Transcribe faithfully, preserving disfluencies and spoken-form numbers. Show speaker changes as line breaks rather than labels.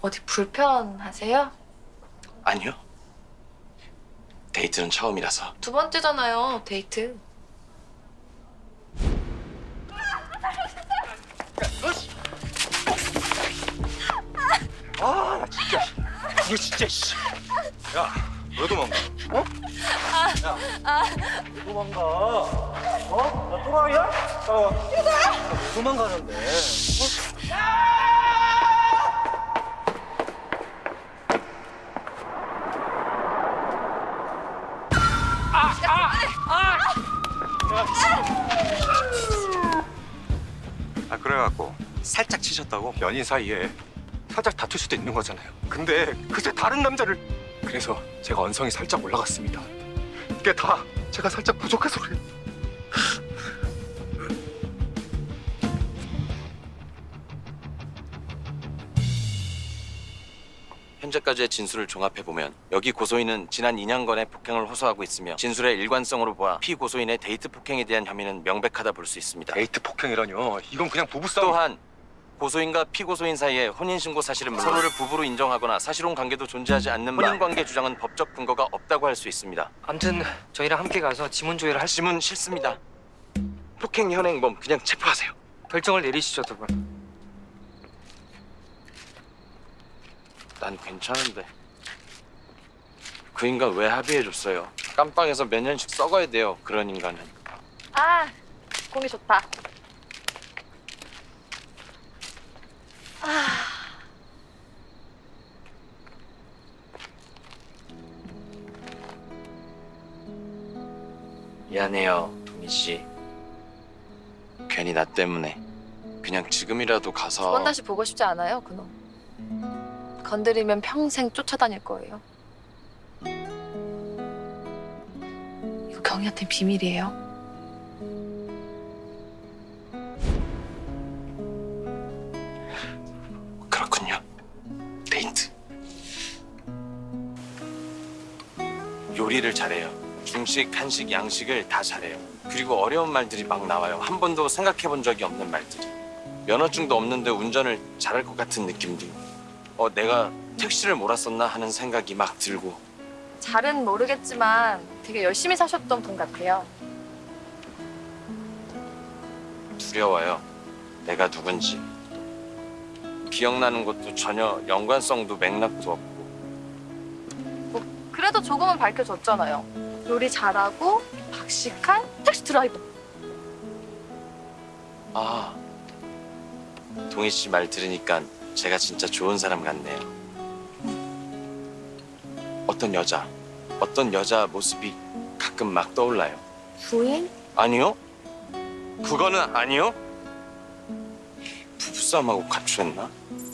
어디 불편하세요?
아니요. 데이트는 처음이라서.
두 번째잖아요, 데이트.
아, 나 진짜. 이거 진짜, 씨. 야, 왜 도망가? 어? 야, 왜 도망가? 어? 나 또라이야? 따라와. 왜 도망가는데? 어? 아, 그래갖고 살짝 치셨다고? 연인 사이에 살짝 다툴 수도 있는 거잖아요. 근데 그새 다른 남자를. 그래서 제가 언성이 살짝 올라갔습니다. 이게 다 제가 살짝 부족해서 그래요.
현재까지의 진술을 종합해보면 여기 고소인은 지난 이 년간의 폭행을 호소하고 있으며 진술의 일관성으로 보아 피고소인의 데이트 폭행에 대한 혐의는 명백하다 볼 수 있습니다.
데이트 폭행이라뇨. 이건 그냥 부부싸움.
또한 고소인과 피고소인 사이에 혼인신고 사실은 물론 서로를 부부로 인정하거나 사실혼 관계도 존재하지 않는 혼인관계 주장은 법적 근거가 없다고 할 수 있습니다.
아무튼 저희랑 함께 가서 지문 조회를 할 수...
지문 싫습니다. 폭행 현행범 그냥 체포하세요.
결정을 내리시죠, 두 분.
난 괜찮은데. 그 인간 왜 합의해줬어요? 깜빵에서 몇 년씩 썩어야 돼요, 그런 인간은.
아, 공기 좋다. 아,
미안해요, 동희 씨. 괜히 나 때문에. 그냥 지금이라도 가서.
두 번 다시 보고 싶지 않아요, 그놈. 건드리면 평생 쫓아다닐 거예요. 이거 경희한테 비밀이에요.
그렇군요. 데이트. 요리를 잘해요. 중식, 한식, 양식을 다 잘해요. 그리고 어려운 말들이 막 나와요. 한 번도 생각해 본 적이 없는 말들이. 면허증도 없는데 운전을 잘할 것 같은 느낌도. 어, 내가 택시를 몰았었나 하는 생각이 막 들고.
잘은 모르겠지만 되게 열심히 사셨던 분 같아요.
두려워요. 내가 누군지. 기억나는 것도 전혀 연관성도 맥락도 없고.
뭐 그래도 조금은 밝혀졌잖아요. 요리 잘하고 박식한 택시 드라이버.
아, 동희 씨 말 들으니까 제가 진짜 좋은 사람 같네요. 어떤 여자, 어떤 여자 모습이 가끔 막 떠올라요.
부인?
아니요? 그거는 아니요? 부부싸움하고 가출했나?